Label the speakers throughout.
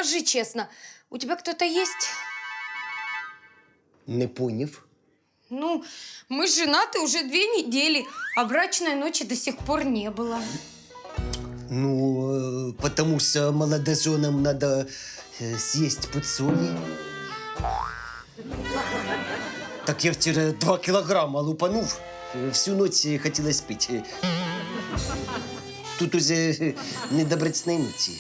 Speaker 1: скажи честно, у тебя кто-то есть?
Speaker 2: Не поняв.
Speaker 1: Ну, мы женаты уже 2 недели, а брачной ночи до сих пор не было.
Speaker 2: Ну, потому что молодоженам надо съесть подсоли. Так я вчера 2 килограмма лупанув. Всю ночь хотелось пить. Тут уже не до брачной ночи.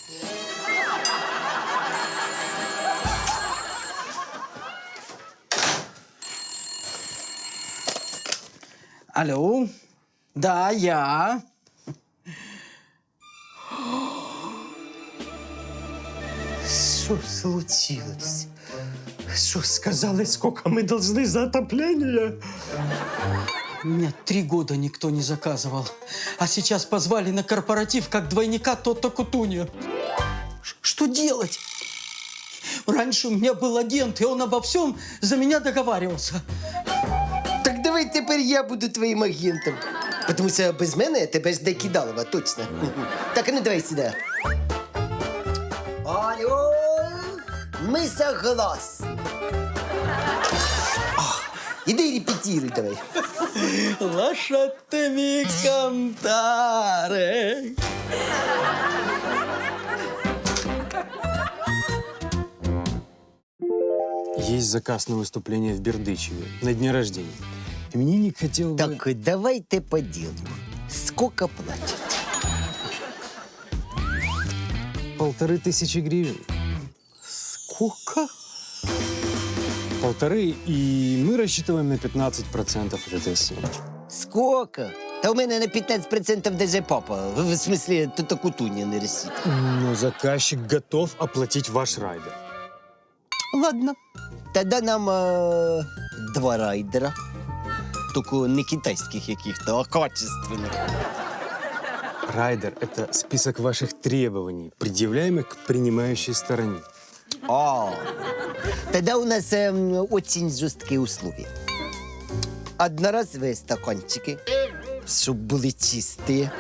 Speaker 3: Алло, да, я.
Speaker 2: Что случилось? Что сказали, сколько мы должны за отопление?
Speaker 3: Меня 3 года никто не заказывал. А сейчас позвали на корпоратив как двойника Тото Кутуньо. Что делать? Раньше у меня был агент, и он обо всем за меня договаривался.
Speaker 2: Так давай теперь я буду твоим агентом. Потому что без мене тебе жде Кидалова, точно. Так, а ну давай сюда. Алло, мы согласны. Иди репетируй давай.
Speaker 3: Lasciatemi cantare.
Speaker 4: Есть заказ на выступление в Бердычеве на дне рождения. Именинник хотел бы...
Speaker 2: Так, давайте по делу. Сколько платят?
Speaker 4: 1500 гривен.
Speaker 2: Сколько?
Speaker 4: 1,5, и мы рассчитываем на 15% от этой суммы.
Speaker 2: Сколько? Та у мене на 15% даже папа. В смысле, тут Кутунья не рисит.
Speaker 4: Но заказчик готов оплатить ваш райдер.
Speaker 2: Ладно. Тогда нам 2 райдера. Только не китайских каких-то, а качественных.
Speaker 4: Райдер – это список ваших требований, предъявляемых к принимающей стороне.
Speaker 2: Тогда у нас очень жесткие условия. Одноразовые стаканчики, чтобы были чистые.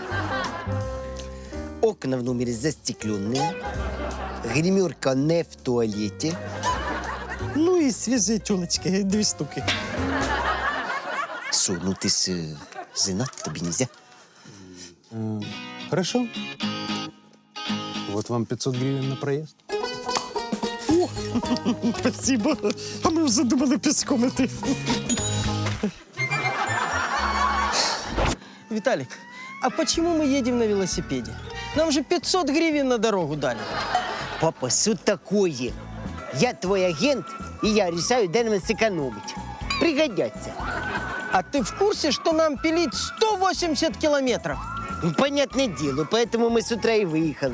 Speaker 2: Окна в номере застекленные. Гримерка не в туалете. Ну и свежие телочки, 2 штуки. Что, ну ты ж женат, тебе нельзя?
Speaker 4: Хорошо. Вот вам 500 гривен на проезд.
Speaker 2: Спасибо. А мы уже думали пешком идти.
Speaker 3: Виталик, а почему мы едем на велосипеде? Нам же 500 гривен на дорогу дали.
Speaker 2: Папа, что такое? Я твой агент, и я решаю, где нам сэкономить. Пригодятся.
Speaker 3: А ты в курсе, что нам пилить 180 километров?
Speaker 2: Ну, понятное дело, поэтому мы с утра и выехали.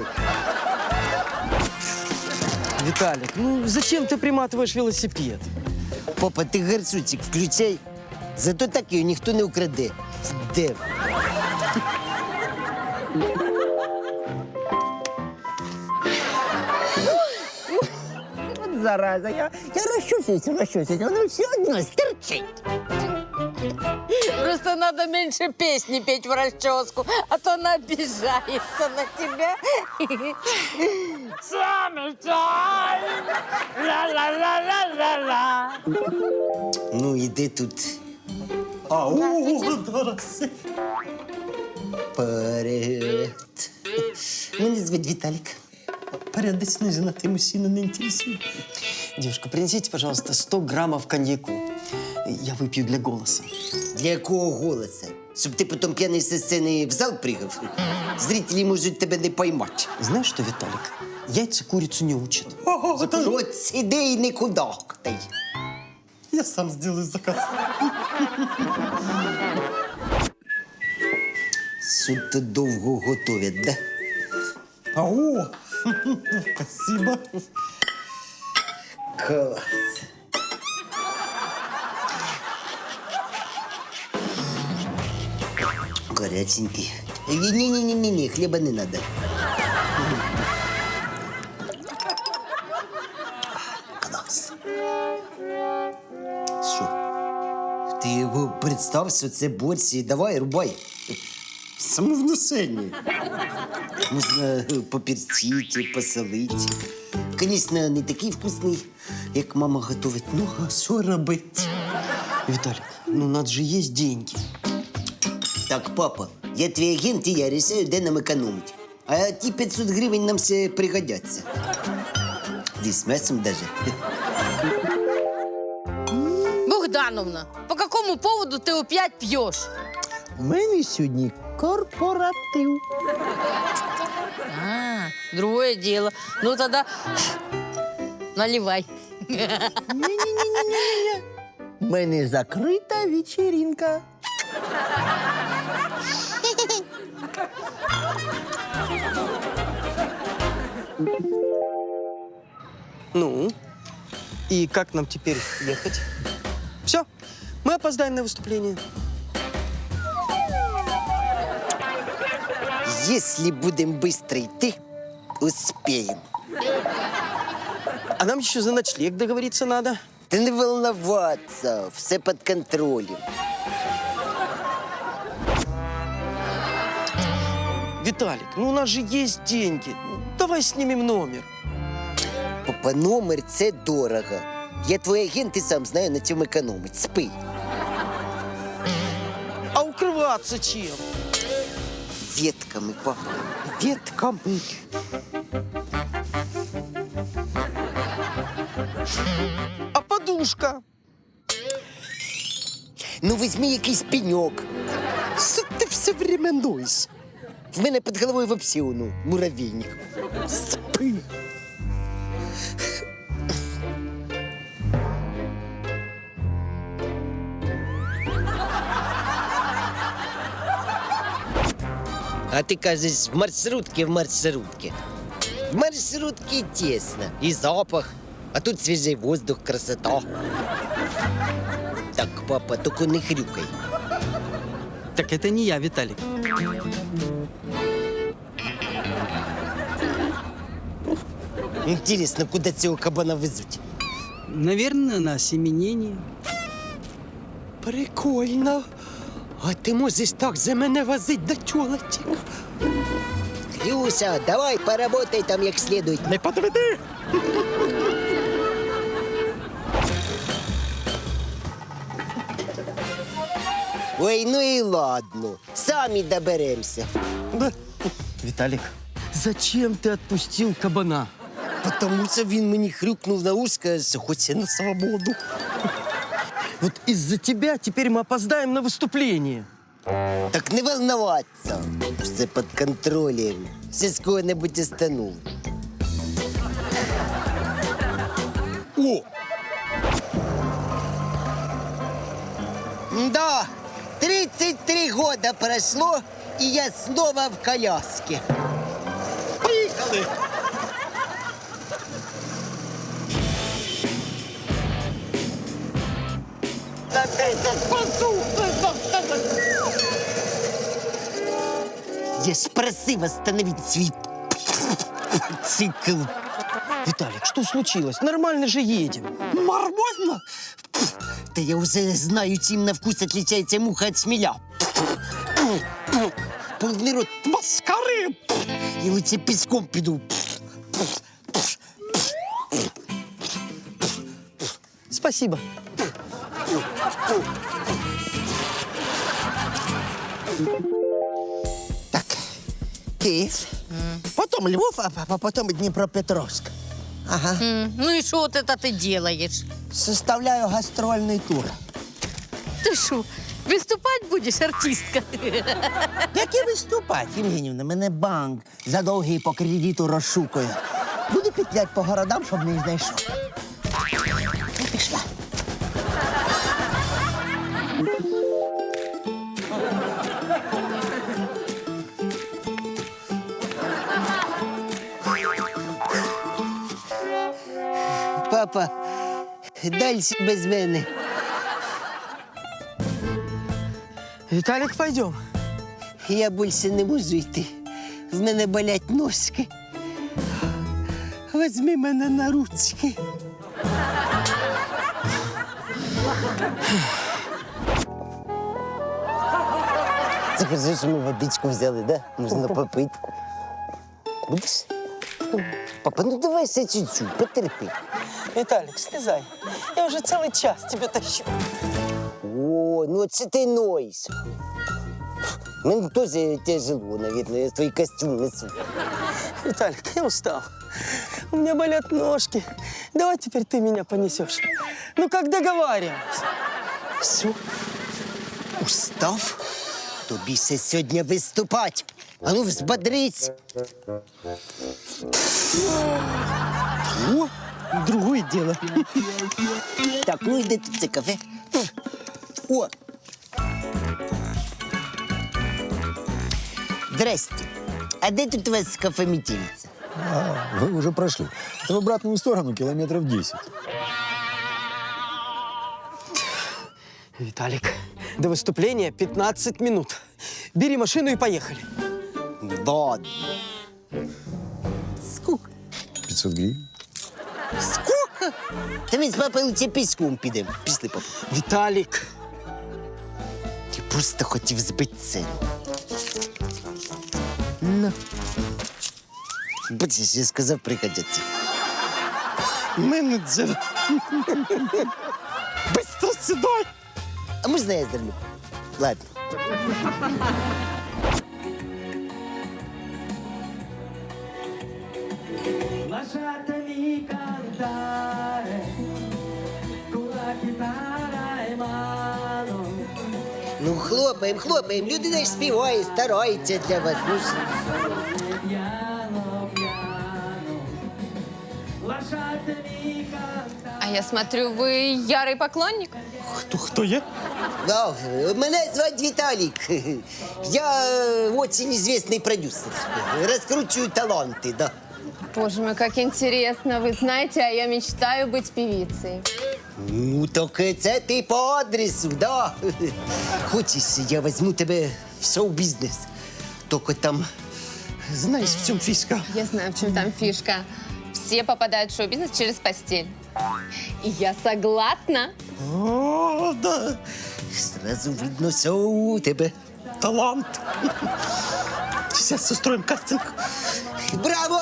Speaker 3: Виталик, ну зачем ты приматываешь велосипед?
Speaker 2: Папа, ты горшочек включай. Зато так ее никто не украде. Дев.
Speaker 5: Вот зараза, я расчесываюсь, оно все одно стерчит.
Speaker 6: Просто надо меньше песни петь в расческу, а то она обижается на тебя.
Speaker 2: Ну, іди тут. Привет. Меня зовут Виталик. Порядочный женатый мужчина не интересует.
Speaker 3: Девушка, принесите, пожалуйста, 100 граммов коньяку. Я выпью для голоса.
Speaker 2: Для якого голоса? Щоб ти потім п'яний зі сцени в зал пригав? Зрителі можуть тебе не поймати.
Speaker 3: Знаешь что, Виталик, яйца курицу не учат.
Speaker 2: От сиди і не кудахтай.
Speaker 5: Я сам сделаю заказ.
Speaker 2: Що-то довго готовять, да?
Speaker 5: Ау! Спасибо.
Speaker 2: Клас. Горяченький. Не-не-не, хлеба не надо. Клас. Що? Ти його представ, що це борщ, і давай, рубай. Самовнушення. Можна поперчити, посолити. Звісно, не такий вкусний, як мама готовить. Ну, а що робити?
Speaker 3: Виталик, ну надо же есть деньги.
Speaker 2: Так, папа, я твій агент, і я рішаю, де нам економити. А ті 500 гривень нам все пригодяться. Десь з м'ясом даже.
Speaker 6: Богдановна, по какому поводу ты опять пьешь?
Speaker 5: У мене сьогодні корпоратив.
Speaker 6: А, другое дело. Ну тогда наливай.
Speaker 5: У мене закрита вечеринка.
Speaker 3: Ну, и как нам теперь ехать? Все, мы опоздаем на выступление.
Speaker 2: Якщо будемо швидко йти, успіємо.
Speaker 3: А нам еще за ночлег договориться надо.
Speaker 2: Та не волноваться, все під контролем.
Speaker 3: Виталик, ну у нас же есть деньги. Давай снимем номер.
Speaker 2: Папа, номер – це дорого. Я твій агент і сам знаю, на цьому економить. Спи.
Speaker 3: А укрываться чем?
Speaker 2: Ветками, папа, ветками.
Speaker 3: А подушка?
Speaker 2: Ну, візьми якийсь пеньок. Що ти все время ноєш? В мене під головою вообще, ну, муравейник. Спи. А ты кажешь, в маршрутке. В маршрутке тесно. И запах. А тут свежий воздух, красота. Так, папа, только не хрюкай.
Speaker 3: Так это не я, Виталик.
Speaker 2: Интересно, куда цього кабана везуть?
Speaker 3: Наверное, на осеменение.
Speaker 2: Прикольно. А ти можеш так за мене возить до тёлочек? Люся, давай поработай там як следует. Не подведи. Ой, ну і ладно. Самі доберемося.
Speaker 3: Виталик, зачем ты отпустил кабана?
Speaker 2: Потому що він мені хрюкнув на ушко, що хоче на свободу.
Speaker 3: Вот из-за тебя теперь мы опоздаем на выступление.
Speaker 2: Так не волноваться. Все під контролем. Все з кого-небудь остану. О! Да, 33 года прошло, и я снова в коляске. Поехали! Я ж просив остановить свій цикл.
Speaker 3: Виталик, что случилось? Нормально же едем.
Speaker 2: Нормально? Да я уже знаю, чем на вкус отличается муха от шмеля. Полный рот маскары. И лучше песком пойду.
Speaker 3: Спасибо.
Speaker 5: Так, Київ, потім Львов, а потім Дніпропетровськ. Ага.
Speaker 6: Ну и что вот это ты делаешь?
Speaker 5: Составляю гастрольний тур.
Speaker 6: Ты что, выступать будешь, артистка?
Speaker 5: Як і виступати, Євгенівна, мене банк за довгий по кредиту розшукує. Буду петлять по городам, щоб не знайшов. Ну, пішла.
Speaker 2: Папа, дальше без мене.
Speaker 3: Виталик, пойдем.
Speaker 2: Я більше не можу йти. В мене болять ножки. Возьми мене на ручки. Це кажи, що ми водичку взяли, да? Можна попити. Будеш? Папа, ну давай ще чуть-чуть, потерпи.
Speaker 3: Виталик, слезай. Я уже целый час тебя тащу.
Speaker 2: О, ну це ти нойс. Мені теж тяжело, наверное, я твій костюм несу.
Speaker 3: Виталик, я устал. У меня болят ножки. Давай теперь ты меня понесешь. Ну, как договаривались.
Speaker 2: Все? Устав? Тобі ще сьогодні виступати. А ну, взбодрись.
Speaker 3: О, другое дело.
Speaker 2: Так, ну йди тут це кафе. О! Здрасте. А де тут у вас кафе «Метелица»?
Speaker 7: Вы уже прошли. Это в обратную сторону километров 10.
Speaker 3: Виталик, до выступления 15 минут. Бери машину и поехали.
Speaker 2: Ладно. Сколько?
Speaker 7: 500 гривен.
Speaker 2: Сколько? Та ми з папою лише піском підемо. Пішли, папа.
Speaker 3: Виталик.
Speaker 2: Я просто хотів збити ціну. Ну. Бачиш, я сказав, пригодяться.
Speaker 3: Менеджер. Быстро сюда.
Speaker 2: А можна я зерну? Ладно. Ну, хлопаємо, хлопаємо. Людина ж співає, старається для вас. Ну, ж.
Speaker 1: А я смотрю, вы ярый поклонник.
Speaker 3: Кто я?
Speaker 2: Да, мене звати Віталік. Я очень известный продюсер. Раскручиваю таланты, да.
Speaker 1: Боже мой, как интересно. Вы знаете, а я мечтаю быть певицей.
Speaker 2: Ну, так це ти по адресу, да. Хочеш, я візьму тебе в шоу-бізнес. Тільки там, знаєш, в чому фішка?
Speaker 1: Я знаю, в чем там фишка. Все попадают в шоу-бизнес через постель. И я согласна.
Speaker 2: О, да. Сразу видно, що у тебе талант.
Speaker 3: Сейчас устроим кастинг.
Speaker 2: Браво!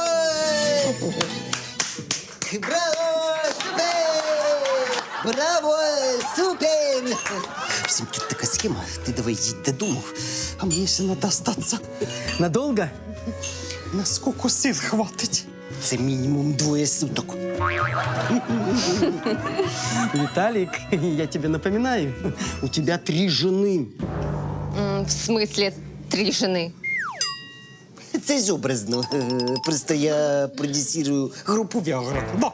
Speaker 2: Браво! Супер! Браво! Супер! В общем, тут така схема. Ти давай їдь додому,
Speaker 3: А мне еще надо остаться. Надолго? Насколько сил хватит?
Speaker 2: це мінімум 2 суток.
Speaker 3: Виталик, я тебе напоминаю, у тебя 3 жены.
Speaker 1: В смысле 3 жены?
Speaker 2: Це ж образно. Просто я продюсирую групу Віагра. Да.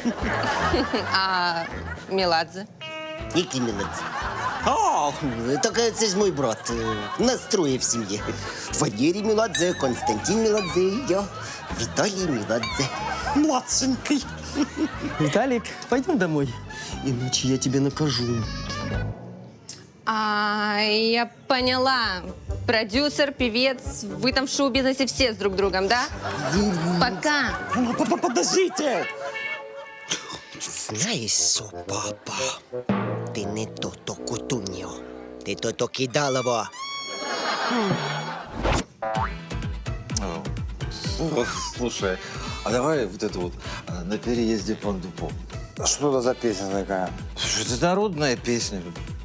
Speaker 1: А Меладзе?
Speaker 2: Який Меладзе? Так це ж мій брат. Нас 3 в сім'ї. Валерій Меладзе, Константин Меладзе і я. Віталій Меладзе.
Speaker 3: Младшенький. Виталик, пойдем домой, иначе я тебе накажу.
Speaker 1: А, я поняла. Продюсер, певец, вы там в шоу-бизнесе все с друг другом, да? Пока.
Speaker 3: Подождите!
Speaker 2: Знаєш що, папа? Ти не то Кутуньо. Ти то Кидалово.
Speaker 8: Слушай, а давай вот это вот «На переезде Пандупо».
Speaker 7: А что это за песня такая?
Speaker 8: Слушай, это народная песня.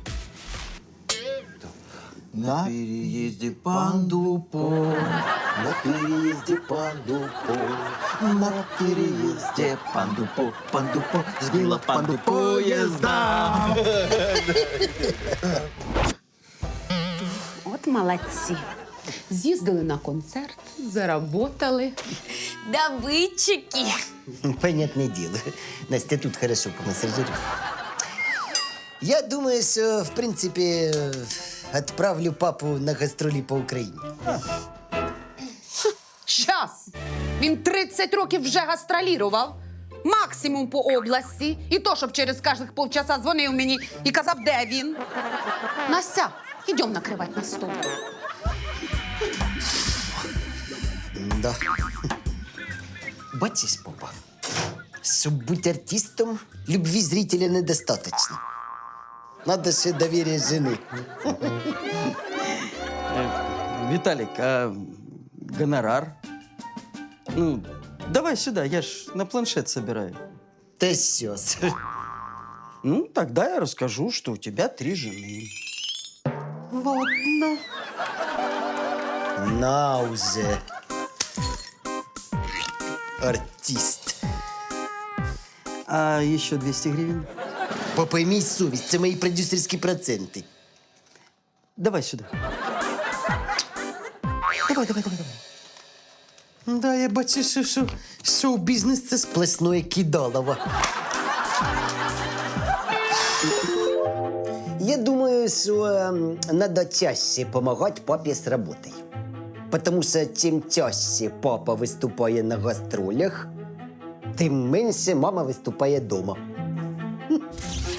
Speaker 8: На переезде Пандупо, на переезде Пандупо, на переезде Пандупо, Пандупо, сбила Панду поезда.
Speaker 9: От молодці. З'їздили на концерт, заработали.
Speaker 1: Добытчики.
Speaker 2: Понятное дело. Настя тут хорошо помассажирует. Я думаю, что, в принципе, отправлю папу на гастролі по Україні.
Speaker 9: Щас! Він 30 років вже гастролірував. Максимум по області. І то, щоб через кожних полчаса дзвонив мені і казав, де він. Настя, ідем накривати на стол.
Speaker 2: Да. Бачиш, папа, щоб бути артистом, любви зрителя недостаточно. Надо ще доверие жены.
Speaker 3: Виталик, а гонорар? Ну, Давай сюда, я ж на планшет собираю.
Speaker 2: Та щас.
Speaker 3: Ну, тогда я расскажу, что у тебя 3 жены. Ладно.
Speaker 2: На уже. Артист.
Speaker 3: А еще 200 гривен?
Speaker 2: Попоймій совість, це мої продюсерські проценти.
Speaker 3: Давай сюда. Давай.
Speaker 2: Да, я бачу, що шоу-бізнес це сплошное кидалово. Я думаю, що надо чаще помогать папе с работой. Потому что чим чаще папа виступає на гастролях, тим менше мама виступає дома.